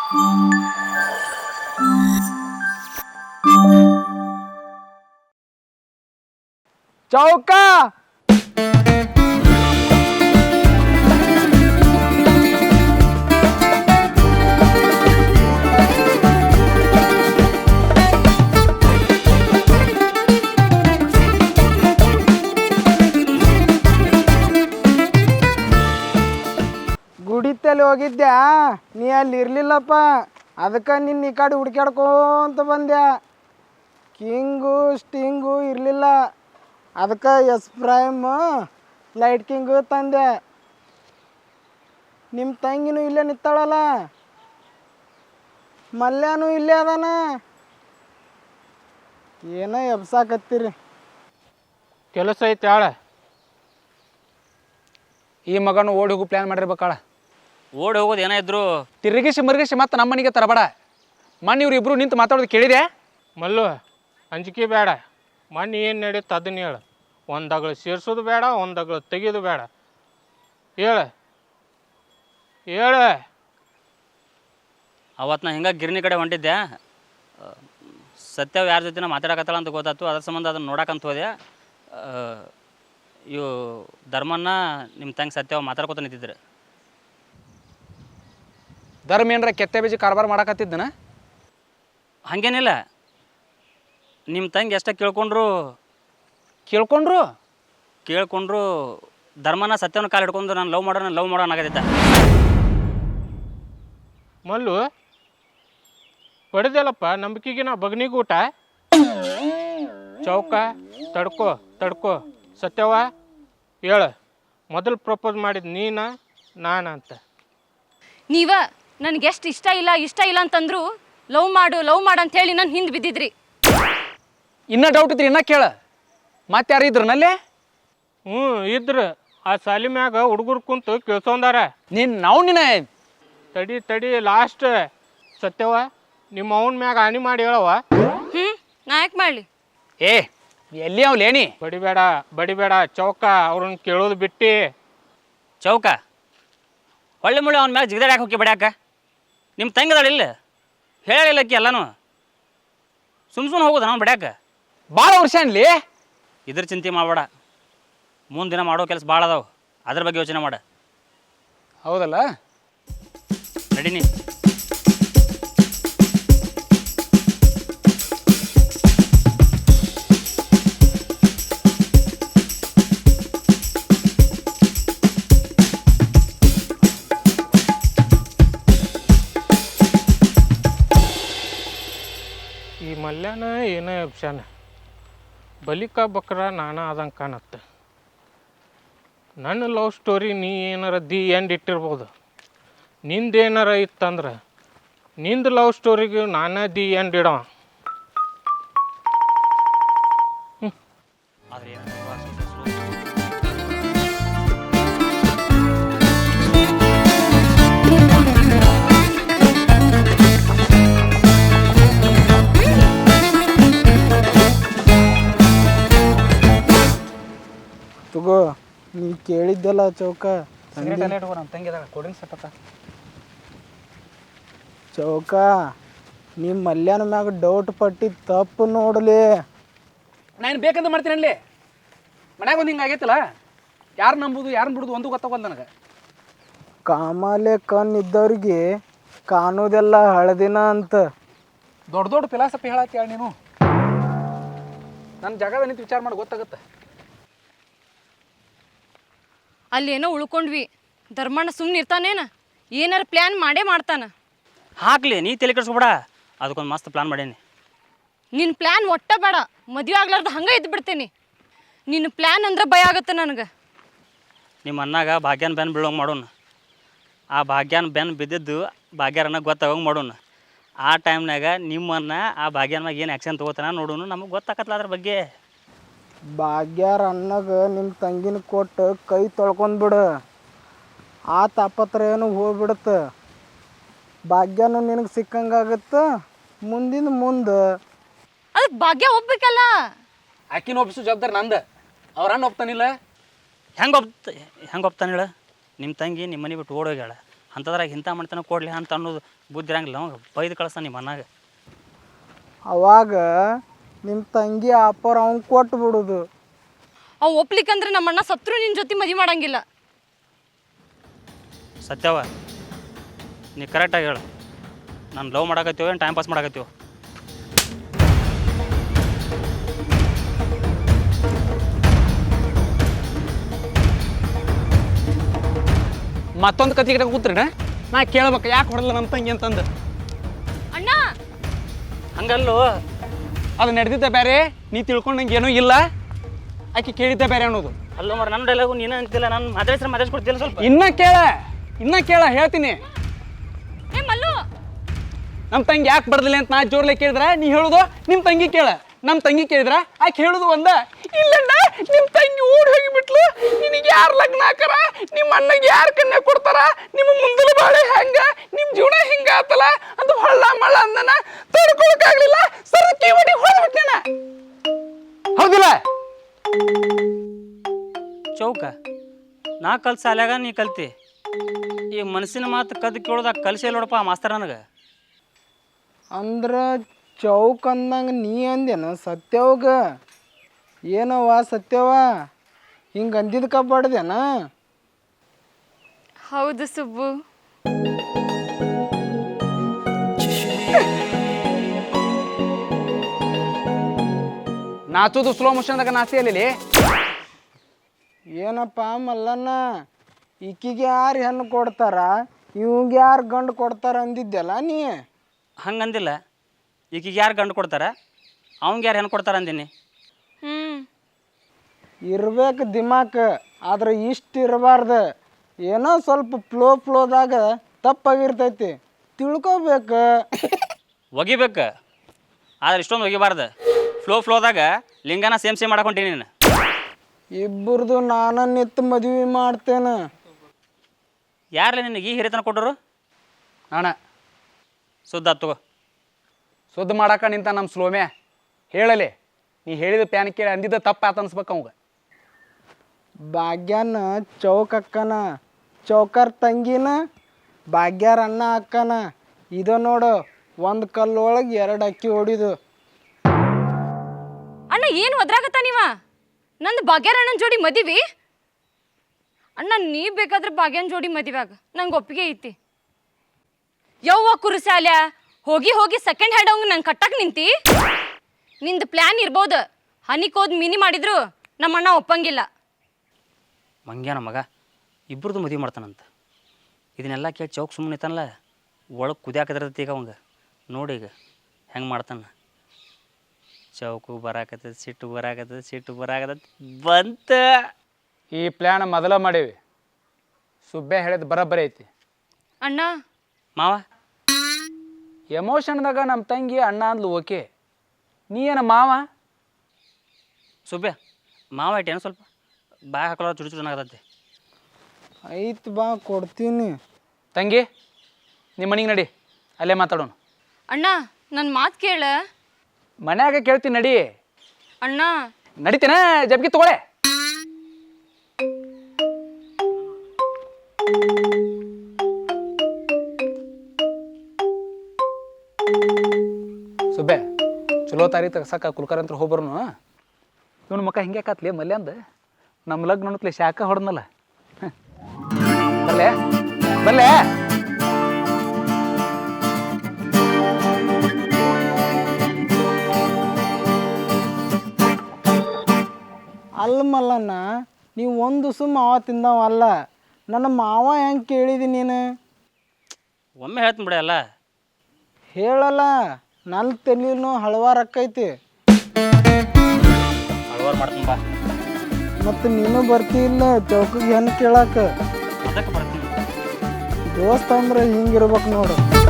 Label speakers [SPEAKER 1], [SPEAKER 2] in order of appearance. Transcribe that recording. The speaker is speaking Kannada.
[SPEAKER 1] ಚೌಕ ಗುಡಿತಲ್ಲಿ ಹೋಗಿದ್ದ್ಯಾ ನೀ ಅಲ್ಲಿ ಇರ್ಲಿಲ್ಲಪ್ಪ, ಅದಕ್ಕೆ ನಿನ್ನ ಈ ಕಡೆ ಹುಡ್ಕ್ಯಾಡ್ಕೊಂತ ಬಂದ್ಯಾ. ಕಿಂಗು ಸ್ಟಿಂಗು ಇರಲಿಲ್ಲ, ಅದಕ್ಕೆ ಎಸ್ ಪ್ರೈಮ್ ಲೈಟ್ ಕಿಂಗು ತಂದೆ. ನಿಮ್ಮ ತಂಗಿನೂ ಇಲ್ಲೇ ನಿಂತಾಳಲ್ಲ, ಮಲ್ಯಾನೂ ಇಲ್ಲೇ ಅದಾನ. ಏನೋ ಎಬ್ಸಾಕತ್ತೀರಿ.
[SPEAKER 2] ಕೆಲಸ ಐತೆ ಆಳ.
[SPEAKER 1] ಈ ಮಗನು ಓಡಿ ಹೋಗು ಪ್ಲ್ಯಾನ್ ಮಾಡಿರ್ಬೇಕಾಳ.
[SPEAKER 3] ಓಡಿ ಹೋಗೋದು ಏನಾದ್ರು
[SPEAKER 1] ತಿರುಗಿಸಿ ಮರುಗಿಸಿ ಮತ್ತೆ ನಮ್ಮ ಮನೆಗೆ ತರಬೇಡ. ಮಣ್ಣು ಇವ್ರು ಇಬ್ಬರು ನಿಂತು ಮಾತಾಡೋದು ಕೇಳಿದೆ.
[SPEAKER 2] ಮಲ್ಲು ಅಂಜಿಕೆ ಬೇಡ. ಮಣ್ಣು ಏನು ನಡೀತು ಅದನ್ನ ಹೇಳು. ಒಂದಗಳು ಸೇರ್ಸೋದು ಬೇಡ, ಒಂದಗಳು ತೆಗೆಯೋದು ಬೇಡ. ಹೇಳು ಹೇಳು.
[SPEAKER 3] ಅವತ್ತು ನಾ ಹಿಂಗೆ ಗಿರಣಿ ಕಡೆ ಹೊಂಟಿದ್ದೆ. ಸತ್ಯವ್ ಯಾರ ಜೊತೆ ಮಾತಾಡಕತ್ತಾಳ ಅಂತ ಗೊತ್ತಾಯ್ತು. ಅದ್ರ ಸಂಬಂಧ ಅದನ್ನು ನೋಡಕ್ಕಂತ ಹೋದೆ. ಇವು ಧರ್ಮನ್ನ ನಿಮ್ಮ ತಂಗಿ ಸತ್ಯವ್ ಮಾತಾಡ್ಕೊತ ನಿಂತಿದ್ರು.
[SPEAKER 1] ಧರ್ಮ ಏನರ ಕೆತ್ತೆ ಬೀಜ ಕಾರ್ಬಾರ ಮಾಡಕತ್ತಿದ್ದನ?
[SPEAKER 3] ಹಾಗೇನಿಲ್ಲ, ನಿಮ್ಮ ತಂಗಿ ಎಷ್ಟ ಕೇಳ್ಕೊಂಡ್ರು ಧರ್ಮನ ಸತ್ಯವನ್ನ ಕಾಲು ಹಿಡ್ಕೊಂಡು ನಾನು ಲವ್ ಮಾಡೋಣ ಆಗತ್ತಿದ್ದ.
[SPEAKER 2] ಮಲ್ಲು ಹೊಡೆದಲ್ಲಪ್ಪ ನಂಬಿಕೆಗೆ ನಾ ಬಗ್ನಿಗೂಟ. ಚೌಕ ತಡ್ಕೋ ಸತ್ಯವ ಹೇಳು. ಮೊದಲು ಪ್ರಪೋಸ್ ಮಾಡಿದ ನೀನ ನಾನ ಅಂತ?
[SPEAKER 4] ನೀವ ನನಗೆ ಎಷ್ಟು ಇಷ್ಟ ಇಲ್ಲ ಅಂತಂದ್ರು ಲವ್ ಮಾಡು ಅಂತ ಹೇಳಿ ನಾನು ಹಿಂದೆ ಬಿದ್ದಿದ್ರಿ.
[SPEAKER 1] ಇನ್ನೂ ಡೌಟ್ ಇದ್ರಿ ಇನ್ನೂ ಕೇಳ. ಮತ್ತೆ ಯಾರು ಇದ್ರನಲ್ಲೇ?
[SPEAKER 2] ಇದ್ರ ಆ ಸಾಲಿ ಮ್ಯಾಗ ಹುಡುಗರು ಕುಂತು ಕೇಳ್ಸೊಂದಾರ.
[SPEAKER 1] ನಿನ್ನ
[SPEAKER 2] ತಡಿ ಲಾಸ್ಟ್ ಸತ್ಯವ ನಿಮ್ಮ ಅವನ ಮ್ಯಾಗ ಹಾನಿ ಮಾಡಿ ಹೇಳವ.
[SPEAKER 4] ನಾ ಯಾಕೆ ಮಾಡಲಿ?
[SPEAKER 1] ಏ ಎಲ್ಲಿ ಅವ್ಲೇನಿ?
[SPEAKER 2] ಬಡಿಬೇಡ ಚೌಕ, ಅವ್ರನ್ನ ಕೇಳೋದು ಬಿಟ್ಟು.
[SPEAKER 3] ಚೌಕ ಹೊಳ್ಳಿ ಮುಳ್ಳಿ ಅವನ ಮ್ಯಾಗ ಜಿಗದಾಡ್ಯಾಕೆ ಹೋಗಿ ಬಡ್ಯಾಕ? ನಿಮ್ಮ ತಂಗಿದಾಳ ಇಲ್ಲ ಹೇಳಿಲ್ಲಕ್ಕಿ ಎಲ್ಲನೂ. ಸುಮ್ಮನೆ ಹೋಗೋದು ನಾವು ಬಡ್ಯಾಕ?
[SPEAKER 1] ಭಾಳ ವರ್ಷ ಅನ್ಲಿ.
[SPEAKER 3] ಇದ್ರ ಚಿಂತೆ ಮಾಡಬೇಡ. ಮುಂದಿನ ಮಾಡೋ ಕೆಲಸ ಭಾಳ ಅದಾವ, ಅದ್ರ ಬಗ್ಗೆ ಯೋಚನೆ ಮಾಡ.
[SPEAKER 1] ಹೌದಲ್ಲ?
[SPEAKER 3] ನಡೀನಿ.
[SPEAKER 2] ಈ ಮಲ್ಯಾನ ಏನೇ ಅಪ್ಷನ್ ಬಲಿಕ ಬಕ್ರ ನಾನ ಆದಂಗೆ ಕಾಣತ್ತೆ. ನನ್ನ ಲವ್ ಸ್ಟೋರಿ ನೀ ಏನಾರ ದಿ ಎಂಡ್ ಇಟ್ಟಿರ್ಬೋದು. ನಿಂದೇನಾರ ಇತ್ತಂದ್ರೆ ನಿಂದು ಲವ್ ಸ್ಟೋರಿಗೆ ನಾನೇ ದಿ ಎಂಡ್ ಇಡವ.
[SPEAKER 1] ತಗೋ ನೀ ಕೇಳಿದ್ದಲ್ಲ ಚೌಕ. ಚೌಕ ನಿಮ್ಮ ಮಲ್ಯಾನ ಮ್ಯಾಗ ಡೌಟ್ ಪಟ್ಟಿ ತಪ್ಪು ನೋಡಲಿ. ನಾನು ಬೇಕಂತ ಮಾಡ್ತೀನಿ ಅಲ್ಲಿ ಮನ್ಯಾಗ ಒಂದು ಹಿಂಗೆ ಆಗೈತಲ್ಲ. ಯಾರು ನಂಬುದು ಯಾರನ್ನ ಬಿಡುದು ಒಂದು ಗೊತ್ತಾಗಲ್ಲ ನನಗೆ. ಕಾಮಾಲೆ ಕಣ್ಣಿದ್ದವ್ರಿಗೆ ಕಾಣೋದೆಲ್ಲ ಹಳದಿನ ಅಂತ ದೊಡ್ಡ ಫಿಲಾಸಫಿ ಹೇಳತ್ತಿ ಹೇಳಿ ನೀನು. ನನ್ನ ಜಾಗದ ನಿಂತು ವಿಚಾರ ಮಾಡಿ ಗೊತ್ತಾಗುತ್ತೆ.
[SPEAKER 4] ಅಲ್ಲೇನೋ ಉಳ್ಕೊಂಡ್ವಿ. ಧರ್ಮಣ್ಣ ಸುಮ್ಮನೆ ಇರ್ತಾನೇನ? ಏನಾರು ಪ್ಲ್ಯಾನ್ ಮಾಡೇ ಮಾಡ್ತಾನ.
[SPEAKER 3] ಹಾಕ್ಲಿ, ನೀ ತಲೆ ಕೆಡಿಸ್ಬೇಡ. ಅದಕ್ಕೊಂದು ಮಸ್ತ್ ಪ್ಲಾನ್ ಮಾಡೀನಿ.
[SPEAKER 4] ನಿನ್ನ ಪ್ಲ್ಯಾನ್ ಒಟ್ಟ ಬೇಡ, ಮದುವೆ ಆಗ್ಲಾರ್ದು ಹಂಗೆ ಇದ್ದು ಬಿಡ್ತೀನಿ. ನಿನ್ನ ಪ್ಲ್ಯಾನ್ ಅಂದ್ರೆ ಭಯ ಆಗುತ್ತೆ ನನಗೆ.
[SPEAKER 3] ನಿಮ್ಮ ಅನ್ನಾಗ ಭಾಗ್ಯನ ಬೆನ್ನು ಬೀಳೋಂಗೆ ಮಾಡೋಣ. ಆ ಭಾಗ್ಯನ ಬೆನ್ನು ಬಿದ್ದಿದ್ದು ಭಾಗ್ಯರನ್ನ ಗೊತ್ತಾಗೋಂಗೆ ಮಾಡೋಣ. ಆ ಟೈಮ್ನಾಗ ನಿಮ್ಮನ್ನ ಆ ಭಾಗ್ಯನ ಮ್ಯಾಗ ಏನು ಆ್ಯಕ್ಷನ್ ತೊಗೋತಾನ ನೋಡೋಣ. ನಮಗೆ ಗೊತ್ತಾಗತ್ತಲ್ಲ ಅದ್ರ ಬಗ್ಗೆ.
[SPEAKER 1] ಭಾಗ್ಯಾರ ಅಣ್ಣಗ ನಿಮ್ಮ ತಂಗಿನ ಕೊಟ್ಟು ಕೈ ತೊಳ್ಕೊಂಡ್ಬಿಡು. ಆ ತಾಪತ್ರ ಏನು ಹೋಗ್ಬಿಡುತ್ತೆ. ಭಾಗ್ಯನೂ ನಿನಗೆ ಸಿಕ್ಕಂಗಾಗತ್ತೆ. ಮುಂದೆ
[SPEAKER 4] ಅದಕ್ಕೆ ಭಾಗ್ಯ ಒಪ್ಬೇಕಲ್ಲ.
[SPEAKER 1] ಆಕಿನ ಒಪ್ಪಿಸೋ ಜವಾಬ್ದಾರಿ ನಂದು. ಅವ್ರ ಅಣ್ಣ ಒಪ್ತಾನಿಲ್ಲ.
[SPEAKER 3] ಹೆಂಗೆ ಒಪ್ತಾನೆ ಹೇಳ? ನಿಮ್ಮ ತಂಗಿ ನಿಮ್ಮ ಮನೆ ಬಿಟ್ಟು ಓಡೋಗ್ಯಾಳ. ಅಂಥದ್ರಾಗ ಇಂಥ ಮಾಡ್ತಾನೆ ಕೊಡಲಿ ಅಂತ ಅನ್ನೋದು ಬುದ್ಧಿ ಇರಂಗಿಲ್ಲ ಅವಾಗ ಬೈದು ಕಳಿಸ್ತಾನೆ ನಿಮ್ಮ ಅನ್ನಾಗ.
[SPEAKER 1] ಅವಾಗ ನಿಮ್ಮ ತಂಗಿ ಆಪರ್ ಅವ್ನು ಕೊಟ್ಟು ಬಿಡೋದು.
[SPEAKER 4] ಅವ್ ಒಪ್ಲಿಕ್ಕಂದ್ರೆ ನಮ್ಮ ಅಣ್ಣ ಸತ್ರು ನಿನ್ನ ಜೊತೆ ಮದುವೆ ಮಾಡಂಗಿಲ್ಲ.
[SPEAKER 3] ಸತ್ಯವ ನೀ ಕರೆಕ್ಟಾಗಿ ಹೇಳು, ನಾನು ಲವ್ ಮಾಡಾಕತ್ತೀವೋ ಏನು ಟೈಮ್ ಪಾಸ್ ಮಾಡಾಕತ್ತೀವೋ?
[SPEAKER 1] ಮತ್ತೊಂದು ಕತೆ ಗಿಡ ಕೂತ್ರಿನ ನಾ ಕೇಳ್ಬೇಕು ಯಾಕೆ ಹೊಡೆಲ್ಲ ನಮ್ಮ ತಂಗಿ ಅಂತಂದು.
[SPEAKER 4] ಅಣ್ಣ
[SPEAKER 3] ಹಂಗಲ್ಲೋ,
[SPEAKER 1] ಅದು ನಡೆದಿದ್ದ ಬೇರೆ, ನೀ ತಿಳ್ಕೊಂಡಂಗೆ ಏನೂ ಇಲ್ಲ, ಆಕೆ ಕೇಳಿದ್ದ ಬೇರೆ ಅನ್ನೋದು.
[SPEAKER 3] ಅಲ್ಲೋ ಮರ ನನ್ನ ಡೈಲಾಗು ನೀನು ಅಂತಿಲ್ಲ, ನಾನು ಮಾತಾಡ್ಸ್ಕೊಡ್ತಿಲ್ಲ ಸ್ವಲ್ಪ.
[SPEAKER 1] ಇನ್ನ ಕೇಳ ಹೇಳ್ತೀನಿ.
[SPEAKER 4] ಏ ಮಲ್ಲು,
[SPEAKER 1] ನಮ್ಮ ತಂಗಿ ಯಾಕೆ ಬಡ್ದಿಲ್ಲ ಅಂತ ನಾ ಜೋರ್ಲೆ ಕೇಳಿದ್ರ ನೀ ಹೇಳೋದು ನಿಮ್ಮ ತಂಗಿ ಕೇಳ. ನಮ್ಮ ತಂಗಿ ಕೇಳಿದ್ರ ಆಕೆ ಹೇಳೋದು ಒಂದ. ಇಲ್ಲಣ್ಣ ನಿಮ್ಮ ತಂಗಿ ಓಡಿ ಹೋಗಿಬಿಟ್ಲು, ನಿನಗೆ ಯಾರು ಲಗ್ನ ಹಾಕಾರ, ನಿಮ್ಮ ಅಣ್ಣಗೆ ಯಾರು ಕನ್ಯಾ ಕೊಡ್ತಾರ, ನಿಮ್ಮ ಮುಂದಲ ಬಾಳೆ ಹೆಂಗ, ನಿಮ್ಮ ಜೀವನ ಹಿಂಗ ಆತಲ್ಲ ಅದು ಹೊಳ್ಳ ಮಳ್ಳ ಅಂದನ ತಡ್ಕೊಳಕ್ಕಾಗ್ಲಿಲ್ಲ, ಸರಕಿ ಹೊಡಿ ಹೊಡೆದ್ಬಿಟ್ಟೇನ. ಹೌದಿಲ್ಲ?
[SPEAKER 3] ಚೌಕ ನಾ ಕಲ್ಸ ಸಾಲ್ಯಾಗ ನೀ ಕಲ್ತಿ, ಈ ಮನಸ್ಸಿನ ಮಾತು ಕದ್ದು ಕೇಳೋದಾಗ ಕಲಿಸಿ ನೋಡಪ್ಪ ಮಾಸ್ತರ್ ನನಗೆ.
[SPEAKER 1] ಅಂದ್ರೆ ಚೌಕ್ ಅಂದಂಗೆ ನೀ ಅಂದೇನ ಸತ್ಯವಾಗ? ಏನವ್ವ ಸತ್ಯವ ಹಿಂಗೆ ಅಂದಿದ್ದು ಕಬ್ಬಾಡ್ದೇನ?
[SPEAKER 4] ಹೌದು ಸುಬ್ಬು.
[SPEAKER 1] ನಾಚೋದು ಸ್ಲೋ ಮೋಷನ್ದಾಗ ನಾಚಿ ಅಲ್ಲಿ. ಏನಪ್ಪ ಮಲ್ಲಣ್ಣ, ಈಕಿಗೆ ಯಾರು ಹೆಣ್ಣು ಕೊಡ್ತಾರ, ಇವಂಗೆ ಯಾರು ಗಂಡು ಕೊಡ್ತಾರ ಅಂದಿದ್ದೆಲ್ಲ ನೀ.
[SPEAKER 3] ಹಂಗಂದಿಲ್ಲ, ಈಕಿಗೆ ಯಾರು ಗಂಡು ಕೊಡ್ತಾರ, ಅವಂಗೆ ಯಾರು ಹೆಣ್ಣು ಕೊಡ್ತಾರ ಅಂದೀನಿ.
[SPEAKER 1] ಇರ್ಬೇಕು ದಿಮಾಕ್, ಆದ್ರೆ ಇಷ್ಟು ಇರಬಾರ್ದು. ಏನೋ ಸ್ವಲ್ಪ ಫ್ಲೋದಾಗ ತಪ್ಪಾಗಿರ್ತೈತಿ, ತಿಳ್ಕೊಬೇಕು.
[SPEAKER 3] ಒಗಿಬೇಕು, ಆದ್ರೆ ಇಷ್ಟೊಂದು ಒಗಿಬಾರ್ದು. ಫ್ಲೋದಾಗ ಲಿಂಗನ ಸೇಮ್ ಮಾಡಕೊಂತೀನಿ ನೀನು.
[SPEAKER 1] ಇಬ್ಬರದು ನಾನು ನಿತ್ತು ಮದುವೆ ಮಾಡ್ತೇನೆ.
[SPEAKER 3] ಯಾರಲ್ಲ ನಿನಗೆ ಈ ಹಿರಿತನ ಕೊಟ್ಟರು?
[SPEAKER 1] ನಾನ
[SPEAKER 3] ಸುದ್ದ ತಗೋ.
[SPEAKER 1] ಸುದ್ದ ಮಾಡಾಕ ನಿಂತ ನಮ್ಮ ಸ್ಲೋಮ್ಯಾ ಹೇಳಲಿ. ನೀ ಹೇಳಿದ ಪ್ಯಾನ್ ಕೇಳಿ ಅಂದಿದ್ದ ತಪ್ಪ ಆತ ಅನ್ಸ್ಬೇಕು ಅವಂಗ. ಭಾಗ್ಯನ ಚೌಕ್ ಅಕ್ಕನ, ಚೌಕರ್ ತಂಗಿನ ಭಾಗ್ಯಾರ ಅಣ್ಣ ಅಕ್ಕನ. ಇದು ನೋಡು, ಒಂದು ಕಲ್ಲೊಳಗೆ 2 ಅಕ್ಕಿ ಹೊಡಿದು.
[SPEAKER 4] ಅಣ್ಣ ಏನು ಒದ್ರಾಗತ್ತ ನೀವ? ನಂದು ಭಾಗ್ಯರಣ್ಣನ ಜೋಡಿ ಮದಿವಿ. ಅಣ್ಣ ನೀ ಬೇಕಾದ್ರೆ ಭಾಗ್ಯನ ಜೋಡಿ ಮದಿವಾಗ ನಂಗೆ ಒಪ್ಪಿಗೆ ಐತಿ. ಯವ್ವ ಕುರುಸಾಲ್ಯ, ಹೋಗಿ ಸೆಕೆಂಡ್ ಹ್ಯಾಂಡ್ ಅವಂಗ ನಂಗೆ ಕಟ್ಟಕ್ಕೆ ನಿಂತಿ. ನಿಂದು ಪ್ಲ್ಯಾನ್ ಇರ್ಬೋದು, ಹನಿಕೋದ್ ಮಿನಿ ಮಾಡಿದ್ರು ನಮ್ಮ ಅಣ್ಣ ಒಪ್ಪಂಗಿಲ್ಲ.
[SPEAKER 3] ಮಂಗ್ಯಾನ ಮಗ ಇಬ್ಬರದು ಮದುವೆ ಮಾಡ್ತಾನಂತ. ಇದನ್ನೆಲ್ಲ ಕೇಳಿ ಚೌಕ್ ಸುಮ್ಮನೆ ಇತ್ತಾನಲ್ಲ, ಒಳಗೆ ಕುದಿಯಾಕದಿರ್ತೈತಿ ಈಗ ಅವಂಗ. ನೋಡಿ ಈಗ ಹೆಂಗೆ ಮಾಡ್ತಾನ. ಚೌಕು ಬರಾಕತ್ತದ, ಸಿಟ್ಟು ಬರಾಕತ್ತದ ಬಂತ.
[SPEAKER 1] ಈ ಪ್ಲ್ಯಾನ್ ಮೊದಲ ಮಾಡೀವಿ. ಸುಬ್ಬೆ ಹೇಳಿದ ಬರಬ್ಬರಿ ಐತಿ.
[SPEAKER 4] ಅಣ್ಣ
[SPEAKER 3] ಮಾವ
[SPEAKER 1] ಎಮೋಷನ್ದಾಗ ನಮ್ಮ ತಂಗಿ ಅಣ್ಣ ಅಂದ್ಲು ಓಕೆ, ನೀ ಏನ ಮಾವ?
[SPEAKER 3] ಸುಬ್ಬೆ ಮಾವ ಇಟ್ಟೇನು ಸ್ವಲ್ಪ ಬಾಯ್ ಹಾಕೊಳ್ಳೋ ಚುಡು ಚೆನ್ನಾಗತ್ತೈತಿ.
[SPEAKER 1] ಐತ್ ಬಾ ಕೊಡ್ತೀನಿ.
[SPEAKER 5] ತಂಗಿ ನಿಮ್ಮ ಮನೆಗೆ ನಡಿ, ಅಲ್ಲೇ ಮಾತಾಡೋಣ.
[SPEAKER 4] ಅಣ್ಣ ನನ್ನ ಮಾತು ಕೇಳ.
[SPEAKER 5] ಮನ್ಯಾಗ ಕೇಳ್ತೀನಿ ನಡಿ.
[SPEAKER 4] ಅಣ್ಣ
[SPEAKER 5] ನಡಿತೇನ ಜಬ್ಗಿ ತಗೊಳೆ. ಸುಬ್ಬೆ ಚಲೋ ತಾರೀ ತಗ್ಸಕ್ಕ ಕುಲ್ಕರ್ ಹೋಗ್ಬರ್ನು. ಇವನು ಮಕ್ಕ ಹಿಂಗೆ ಕಾತ್ಲಿ ಮಲ್ಯ ಅಂದ ನಮ್ಮ ಲಗ್ನ ಅನ್ನತ್ಲೆ ಶಾಖ ಹೊಡೆದ್ನಲ್ಲ. ಬಲ್ಲೆ ಬಲ್ಲೆ
[SPEAKER 1] ಅಲ್ಲ ಮಲ್ಲಣ್ಣ, ನೀವು ಒಂದು ದಿವಸ ಮಾವ ತಿಂದವಲ್ಲ, ನನ್ನ ಮಾವ ಹೆಂಗೆ ಕೇಳಿದಿ ನೀನು?
[SPEAKER 3] ಒಮ್ಮೆ ಹೇಳ್ತೀನಿ ಬಿಡ ಅಲ್ಲ.
[SPEAKER 1] ಹೇಳಲ್ಲ, ನನ್ನ ತಲೆನೂ ಹಳವಾರು ಅಕ್ಕೈತಿ.
[SPEAKER 3] ಹಳವಾರು ಮಾಡ್ತೀನಿ ಬಾ.
[SPEAKER 1] ಮತ್ತು ನೀನು ಬರ್ತಿಲ್ಲ ಚೌಕಿಗೆ ಹೆಣ್ಣು ಕೇಳಕ್ಕೆ.
[SPEAKER 3] ಅದಕ್ಕೆ ಬರ್ತೀನಿ.
[SPEAKER 1] ದೋಸ್ತ ಅಂದ್ರೆ ಹಿಂಗಿರ್ಬೇಕು ನೋಡು.